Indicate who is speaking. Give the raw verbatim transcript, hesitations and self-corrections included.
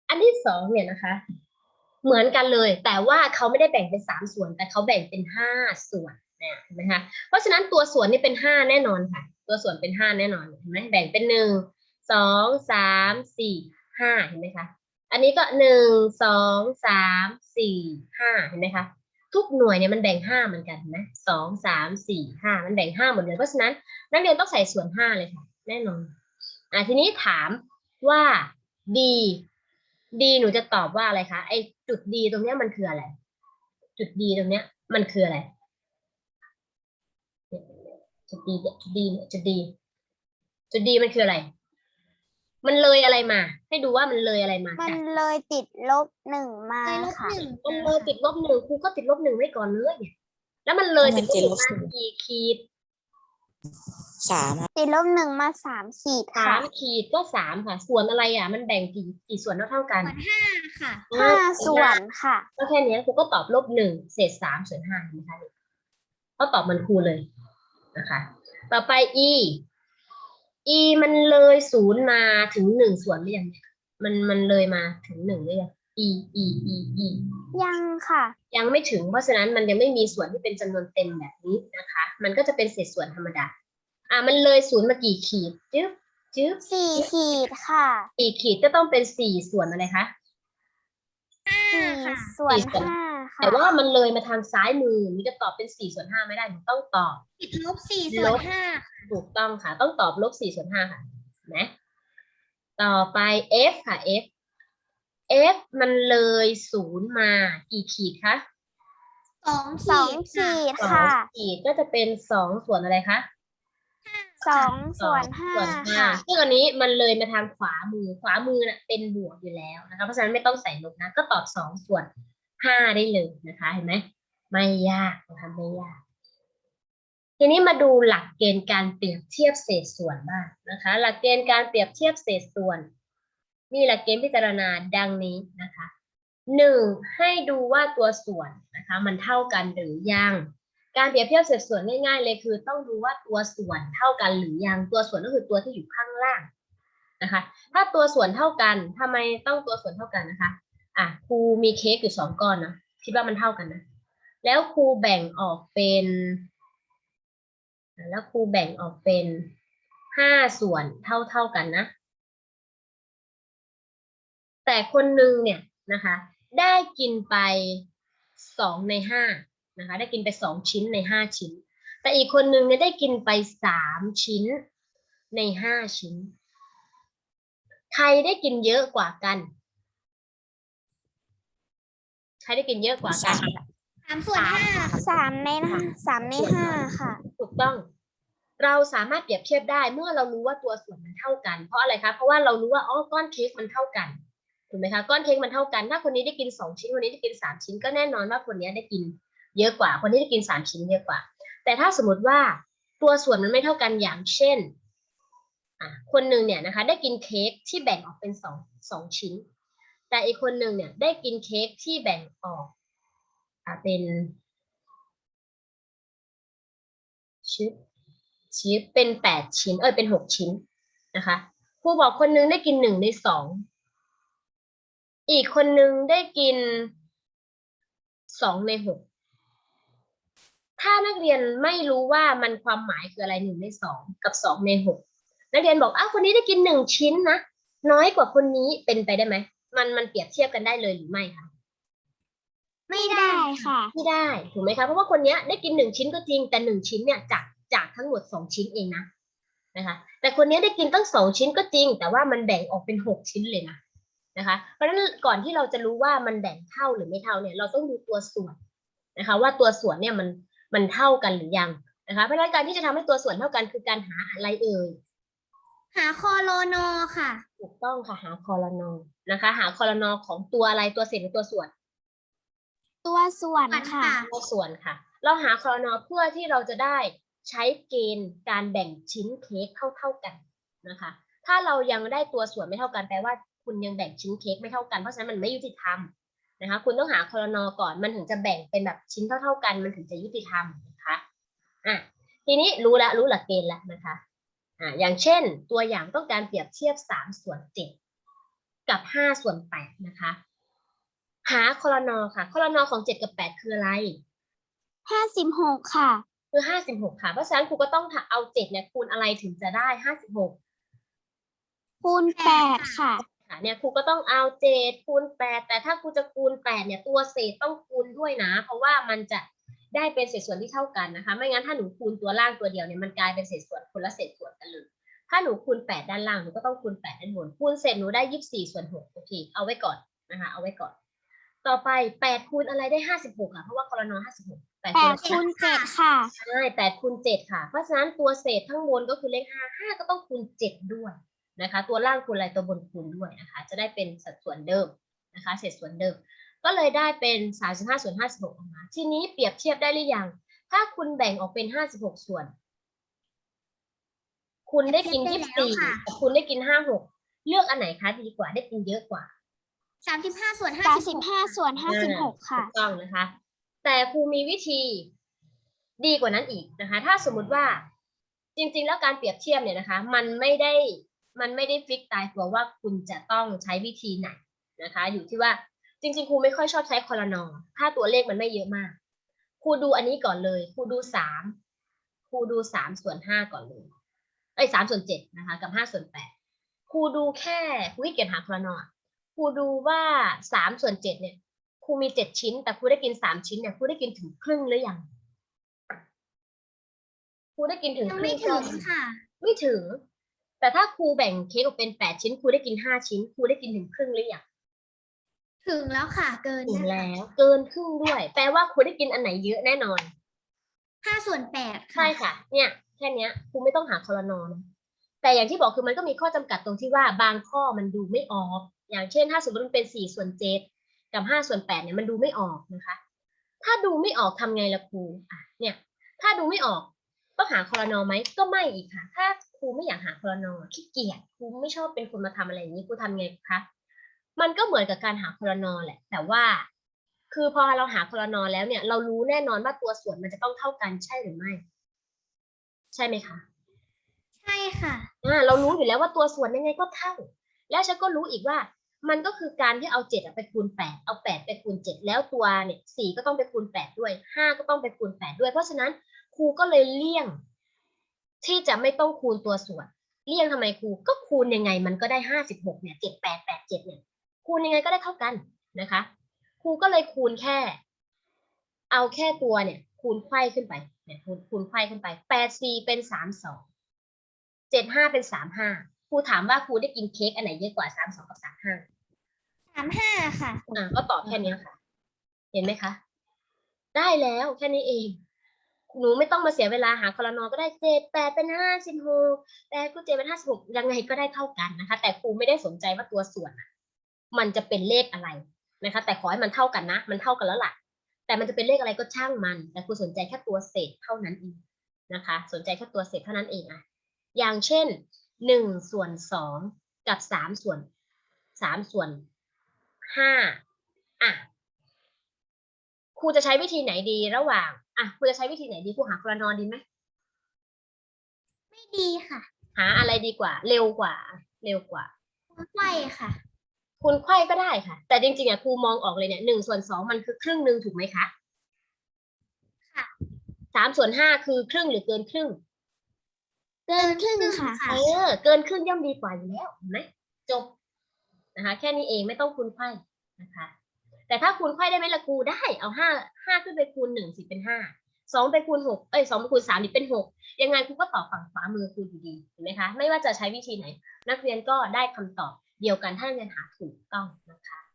Speaker 1: อันที่สองเนี่ยนะคะเหมือนกันเลยแต่ว่าเขาไม่ได้แบ่งเป็นสามส่วนแต่เขาแบ่งเป็นห้าส่วนเนี่ยเห็นไหมคะเพราะฉะนั้นตัวส่วนนี่เป็นห้าแน่นอนค่ะตัวส่วนเป็นห้าแน่นอนเห็นไหมแบ่งเป็นหนึ่งสองสามสี่ห้าเห็นไหมคะอันนี้ก็หนึ่งสองสามสี่ห้าเห็นไหมคะทุกหน่วยเนี่ยมันแบ่งห้าเหมือนกันนะสองสามสี่ห้ามันแบ่งห้าหมดเลยเพราะฉะนั้นนักเรียนต้องใส่ส่วนห้าเลยค่ะแน่นอนอ่ะทีนี้ถามว่า D D หนูจะตอบว่าอะไรคะไอ้จุด D ตรงเนี้ยมันคืออะไรจุด D ตรงเนี้ยมันคืออะไรจุด D เนี่ยจุด D เนี่ยจุด D จุด D มันคืออะไรมันเลยอะไรมาให้ดูว่ามันเลยอะไรมา
Speaker 2: มัน
Speaker 1: จาก
Speaker 2: เลยติดลบหนึ่งมา
Speaker 3: เลยลบ
Speaker 2: ค่ะ
Speaker 3: หนึ่ง
Speaker 1: มันเลยติดลบหนึ่งครูก็ติดลบหนึ่งไว้ก่อนเลยเนี่ยแล้วมันเลยติดลบหนึ่งมากี่ขีด
Speaker 4: สามครับ
Speaker 2: ติดลบหนึ่งมาสามขีด
Speaker 1: สา
Speaker 2: ค่ะ
Speaker 1: มขีดก็สามค่ะส่วนอะไรอ่ะมันแบ่งกี่กี่ส่วนเท่าเท่ากัน
Speaker 3: ส่วนห้าค่ะ
Speaker 2: ห้าส่วนค่ะ
Speaker 1: ก็แค่นี้ครูก็ตอบลบหนึ่งเศษสามส่วนห้าเห็นไหมคะก็ตอบมันครูเลยนะคะ ต่อไป e e มันเลยศูนย์มาถึงหนึ่งส่วนหรือยังเนี่ยมันมันเลยมาถึงหนึ่งหรือยัง e e e e
Speaker 2: ยังค่ะ
Speaker 1: ยังไม่ถึงเพราะฉะนั้นมันยังไม่มีส่วนที่เป็นจำนวนเต็มแบบนี้นะคะ มันก็จะเป็นเศษส่วนธรรมดาอ่ะมันเลยศูนย์มากี่ขีดจึ๊บจึ๊บ
Speaker 2: สี่ขีดค่ะ
Speaker 1: สี่ขีดก็ต้องเป็นสี่ส่วนอะไรคะ
Speaker 2: สี่
Speaker 3: ค่ะ
Speaker 2: ส่วน
Speaker 1: สี่ส่วน
Speaker 2: ห้าค่ะ
Speaker 1: แต่ว่ามันเลยมาทางซ้ายมือมันจะตอบเป็นสี่ส่วนห้าไม่ได้หนูต้องตอบ
Speaker 3: ติดลบสี่ส่วนห้า
Speaker 1: ถูกต้องค่ะ ต้องตอบลบสี่ส่วนห้าค่ะนะต่อไป f ค่ะ f f มันเลยศูนย์มากี่ขีดคะ
Speaker 3: สอง
Speaker 2: สอง
Speaker 3: ขีดค่ะ
Speaker 2: ขีด
Speaker 1: สอง
Speaker 2: ค่ะ
Speaker 1: ขีดก็จะเป็นสองส่วนอะไรคะ
Speaker 2: สองส่วนห้า
Speaker 1: ส่วนห้า
Speaker 2: ค่ะ
Speaker 1: ซึ่งอันนี้มันเลยมาทางขวามือขวามือน่ะเป็นบวกอยู่แล้วนะคะเพราะฉะนั้นไม่ต้องใส่ลบนะก็ตอบสองส่วนห้าได้เลยนะคะเห็นไหมไม่ยากนะคะไม่ยาก ทีนี้มาดูหลักเกณฑ์การเปรียบเทียบเศษส่วนบ้างนะคะ หลักเกณฑ์การเปรียบเทียบเศษส่วนมีหลักเกณฑ์พิจารณาดังนี้นะคะหนึ่งให้ดูว่าตัวส่วนนะคะมันเท่ากันหรือยังการเปรียบเทียบเศษส่วนง่ายๆเลยคือต้องดูว่าตัวส่วนเท่ากันหรือยังตัวส่วนก็คือตัวที่อยู่ข้างล่างนะคะถ้าตัวส่วนเท่ากันทำไมต้องตัวส่วนเท่ากันนะคะอ่ะครูมีเค้กอยู่สองก้อนนะคิดว่ามันเท่ากันนะแล้วครูแบ่งออกเป็นแล้วครูแบ่งออกเป็นห้าส่วนเท่าเท่ากันนะแต่คนหนึ่งเนี่ยนะคะได้กินไปสองในห้านะคะได้กินไปสองชิ้นในห้าชิ้นแต่อีกคนหนึ่งเนี่ยได้กินไปสามชิ้นในห้าชิ้นใครได้กินเยอะกว่ากันใครได้กินเยอะกว่ากัน
Speaker 3: สามส่วนห้า
Speaker 2: สามในห้าสามในห้าค่ะ
Speaker 1: ถูกต้องเราสามารถเปรียบเทียบได้เมื่อเรารู้ว่าตัวส่วนมันเท่ากันเพราะอะไรคะเพราะว่าเรารู้ว่าอ๋อก้อนเค้กมันเท่ากันถูกไหมคะก้อนเค้กมันเท่ากันถ้าคนนี้ได้กินสองชิ้นคนนี้ได้กินสามชิ้นก็แน่นอนว่าคนนี้ได้กินเยอะกว่าคนที่ได้กินสามชิ้นเยอะกว่าแต่ถ้าสมมติว่าตัวส่วนมันไม่เท่ากันอย่างเช่นอ่ะคนหนึ่งเนี่ยนะคะได้กินเค้กที่แบ่งออกเป็นสองสองชิ้นแต่อีกคนหนึ่งเนี่ยได้กินเค้กที่แบ่งออกอ่ะเป็นชิ้นชิ้นเป็นแปดชิ้นเออเป็นหกชิ้นนะคะครูบอกคนนึงได้กินหนึ่งในสองอีกคนนึงได้กินสองในหกถ้านักเรียนไม่รู้ว่ามันความหมายคืออะไรหนึ่งในสองกับสองในหกนักเรียนบอกอ้าวคนนี้ได้กินหนึ่งชิ้นนะน้อยกว่าคนนี้เป็นไปได้ไหมมันมันเปรียบเทียบกันได้เลยหรือไม่คะ
Speaker 2: ไม่ได้ค่ะ
Speaker 1: ไม่ได้ถูกไหมคะเพราะว่าคนนี้ได้กินหนึ่งชิ้นก็จริงแต่หนึ่งชิ้นเนี่ยจากจากทั้งหมดสองชิ้นเองนะนะคะแต่คนนี้ได้กินตั้งสองชิ้นก็จริงแต่ว่ามันแบ่งออกเป็นหกชิ้นเลยนะนะคะเพราะฉะนั้นก่อนที่เราจะรู้ว่ามันแบ่งเท่าหรือไม่เท่าเนี่ยเราต้องดูตัวส่วนนะคะว่าตัวส่วนเนี่ยมันมันเท่ากันหรือยังนะคะเพราะฉะนั้นการที่จะทำให้ตัวส่วนเท่ากันคือการหาอะไรเอ่ย
Speaker 3: หาคอโลนอค่ะ
Speaker 1: ถูกต้องค่ะหาคอรนอนะคะหาคอรนอของตัวอะไรตัวเศษหรือตัวส่วน
Speaker 2: ตัวส่วนค่ะ
Speaker 1: ตัวส่วนค่ะเราหาคอรนอเพื่อที่เราจะได้ใช้เกณฑ์การแบ่งชิ้นเค้กเท่าๆกันนะคะถ้าเรายังได้ตัวส่วนไม่เท่ากันแปลว่าคุณยังแบ่งชิ้นเค้กไม่เท่ากันเพราะฉะนั้นมันไม่ยุติธรรมนะคะคุณต้องหาคอรนอก่อนมันถึงจะแบ่งเป็นแบบชิ้นเท่าๆกันมันถึงจะยุติธรรมนะคะอ่ะทีนี้รู้แล้วรู้หลักเกณฑ์แล้วนะคะอ่ะอย่างเช่นตัวอย่างต้องการเปรียบเทียบสามส่วนเจ็ดกับห้าส่วนแปดนะคะ หาคอลนอค่ะคอลนอของเจ็ดกับแปดคืออะไร
Speaker 2: ห้าสิบหกค่ะ
Speaker 1: คือห้าสิบหกค่ะเพราะฉะนั้นครูก็ต้องเอาเจ็ดเนี่ยคูณอะไรถึงจะได้ห้าสิบหก
Speaker 2: คูณแปดค่ะ
Speaker 1: ค่ะเนี่ยครูก็ต้องเอาเจ็ดคูณแปดแต่ถ้าครูจะคูณแปดเนี่ยตัวเศษต้องคูณด้วยนะเพราะว่ามันจะได้เป็นเศษส่วนที่เท่ากันนะคะไม่งั้นถ้าหนูคูณตัวล่างตัวเดียวเนี่ยมันกลายเป็นเศษส่วนคนละเศษส่วนกันเลยถ้าหนูคูณแปดด้านล่างหนูก็ต้องคูณแปดด้านบนคูณเสร็จหนูได้ยี่สิบสี่ส่วนหกโอเคเอาไว้ก่อนนะคะเอาไว้ก่อนต่อไปแปดคูณอะไรได้ห้าสิบหกค่ะเพราะว่าคอลนอห้าสิบหกแปด
Speaker 2: แป
Speaker 1: คูณ
Speaker 2: ดคูณเจ็ดค่ะ
Speaker 1: ใช่แปดคูณเจ็ดค่ะเพราะฉะนั้นตัวเศษข้างบนก็คือเลขห้าห้าก็ต้องคูณเจ็ดด้วยนะคะตัวล่างคูณอะไรตัวบนคูณด้วยนะคะจะได้เป็นสัดส่วนเดิมนะคะเศษส่วนเดิมก็เลยได้เป็นสามสิบห้าส่วนห้าสิบหกออกมาทีนี้เปรียบเทียบได้หรือยังถ้าคุณแบ่งออกเป็นห้าสิบหกส่วนคุณได้กินยี่สิบสี่กับคุณได้กินห้าหกเลือกอันไหนคะดีกว่าได้กินเยอะกว่า
Speaker 3: สามสิบห้าส่วนห้า
Speaker 2: สาม
Speaker 3: สิ
Speaker 2: สิ
Speaker 3: บบ
Speaker 2: ห้าส่วนห้าสิบหกค่ะ
Speaker 1: ถูกต้องนะคะ แต่ครูมีวิธีดีกว่านั้นอีกนะคะ ถ้าสมมุติว่าจริงๆแล้วการเปรียบเทียบเนี่ยนะคะ มันไม่ได้มันไม่ได้ฟิกตายตัวว่าคุณจะต้องใช้วิธีไหนนะคะ อยู่ที่ว่าจริงๆครูไม่ค่อยชอบใช้คอลนอถ้าตัวเลขมันไม่เยอะมากครูดูอันนี้ก่อนเลยครูดูสามครูดูสามส่วนห้าก่อนเลยเอ้ยสามส่วนเจ็ดนะคะกับห้าส่วนแปดครูดูแค่ครูขี้เกียจหาคอลนอครูดูว่าสามส่วนเจ็ดเนี่ยครูมีเจ็ดชิ้นแต่ครูได้กินสามชิ้นเนี่ยครูได้กินถึงครึ่งหรือยังครูได้กินถึง
Speaker 3: ยัง
Speaker 1: ครึ่
Speaker 3: ไม่
Speaker 1: ง
Speaker 3: ถึงค่ะ
Speaker 1: ไม่ถึง แต่ถ้าครูแบ่งเค้กออกเป็นแปดชิ้นครูได้กินห้าชิ้นครูได้กินถึงครึ่งหรือยัง
Speaker 3: ถึงแล้วค่ะ เกิน
Speaker 1: ถึง
Speaker 3: นะคะ
Speaker 1: แล้วเกินครึ่งด้วย แปลว่าครูได้กินอันไหนเยอะแน่นอน
Speaker 3: ห้าส่วนแปด
Speaker 1: ใช่ค่ะ เนี่ยแค่เนี้ยครูไม่ต้องหาคอลนอนะแต่อย่างที่บอกคือมันก็มีข้อจำกัดตรงที่ว่าบางข้อมันดูไม่ออก อย่างเช่นถ้าสมมติมันเป็นสี่ส่วนเจ็ดกับห้าส่วนแปดเนี่ยมันดูไม่ออกนะคะ ถ้าดูไม่ออกทำไงล่ะครูอ่ะเนี่ย ถ้าดูไม่ออกต้องหาคอลนอไหมก็ไม่อีกค่ะ ถ้าครูไม่อยากหาคอลนอขี้เกียจครูไม่ชอบเป็นคนมาทำอะไรอย่างนี้ครูทำไงคะมันก็เหมือนกับการหาคอลนอแหละ แต่ว่า คือพอเราหาคอลนอแล้วเนี่ย เรารู้แน่นอนว่าตัวส่วนมันจะต้องเท่ากันใช่หรือไม่ ใช่ไหมคะ
Speaker 3: ใช่ค่ะ
Speaker 1: อ่าเรารู้อยู่แล้วว่าตัวส่วนยังไงก็เท่า แล้วฉันก็รู้อีกว่า มันก็คือการที่เอาเจ็ดไปคูณแปดเอาแปดไปคูณเจ็ดแล้วตัวเนี่ยสี่ก็ต้องไปคูณแปดด้วยห้าก็ต้องไปคูณแปดด้วยเพราะฉะนั้นครูก็เลยเลี่ยง ที่จะไม่ต้องคูณตัวส่วนเลี่ยงทำไมครูก็คูณยังไงมันก็ได้ห้าสิบหกเนี่ยเจ็ดแปดแปดเจ็ดเนี่ยคูณยังไงก็ได้เท่ากันนะคะครูก็เลยคูณแค่ เอาแค่ตัวเนี่ยคูณไขว้ขึ้นไปเนี่ยคูณคูณไขว้ขึ้นไปแปดสี่เป็นสามสองเจ็ดห้าเป็นสามห้าครูถามว่าครูได้กินเค้กอันไหนเยอะกว่าสามสองกับสามห้า
Speaker 3: สามห้าค่ะ
Speaker 1: อ่าก็ตอบแค่นี้ค่ะ เห็นไหมคะ ได้แล้วแค่นี้เอง หนูไม่ต้องมาเสียเวลาหาคอลนอก็ได้เจ็ดแปดเป็นห้าสิบหกแปดคูณเจ็ดเป็นห้าสิบหกยังไงก็ได้เท่ากันนะคะ แต่ครูไม่ได้สนใจว่าตัวส่วนอะมันจะเป็นเลขอะไรนะคะ แต่ขอให้มันเท่ากันนะมันเท่ากันแล้วล่ะ แต่มันจะเป็นเลขอะไรก็ช่างมัน แต่ครูสนใจแค่ตัวเศษเท่านั้นเองนะคะ สนใจแค่ตัวเศษเท่านั้นเองอะอย่างเช่นหนึ่งส่วนสองกับสามส่วนสามส่วนห้าอ่ะครูจะใช้วิธีไหนดีระหว่างอ่ะครูจะใช้วิธีไหนดีครูหาคอลนอดีไหม
Speaker 3: ไม่ดีค่ะ
Speaker 1: หาอะไรดีกว่า เร็วกว่า เร็วกว่า
Speaker 3: ไขว้ค่ะ
Speaker 1: คูณไขว้ก็ได้ค่ะ แต่จริงๆอ่ะครูมองออกเลยเนี่ยหนึ่งส่วนสองมันคือครึ่งหนึ่งถูกไหมคะ
Speaker 3: ค่ะ
Speaker 1: สามส่วนห้าคือครึ่งหรือเกินครึ่ง
Speaker 2: เกินครึ่งค่ะ
Speaker 1: เออเกินครึ่งย่อมดีกว่าอยู่แล้วเห็นไหมจบนะคะแค่นี้เองไม่ต้องคูณไขว้นะคะ แต่ถ้าคูณไขว้ได้ไหมล่ะครูได้เอาห้าห้าขึ้นไปคูณหนึ่งสิเป็นห้าสองไปคูณหกเอ้ยสองไปคูณสามนี่เป็นหกยังไงครูก็ตอบฝั่งขวามือครูอยู่ดีเห็นไหมคะไม่ว่าจะใช้วิธีไหน นักเรียนก็ได้คำตอบเดียวกันถ้านักเรียนหาถูกต้องนะคะ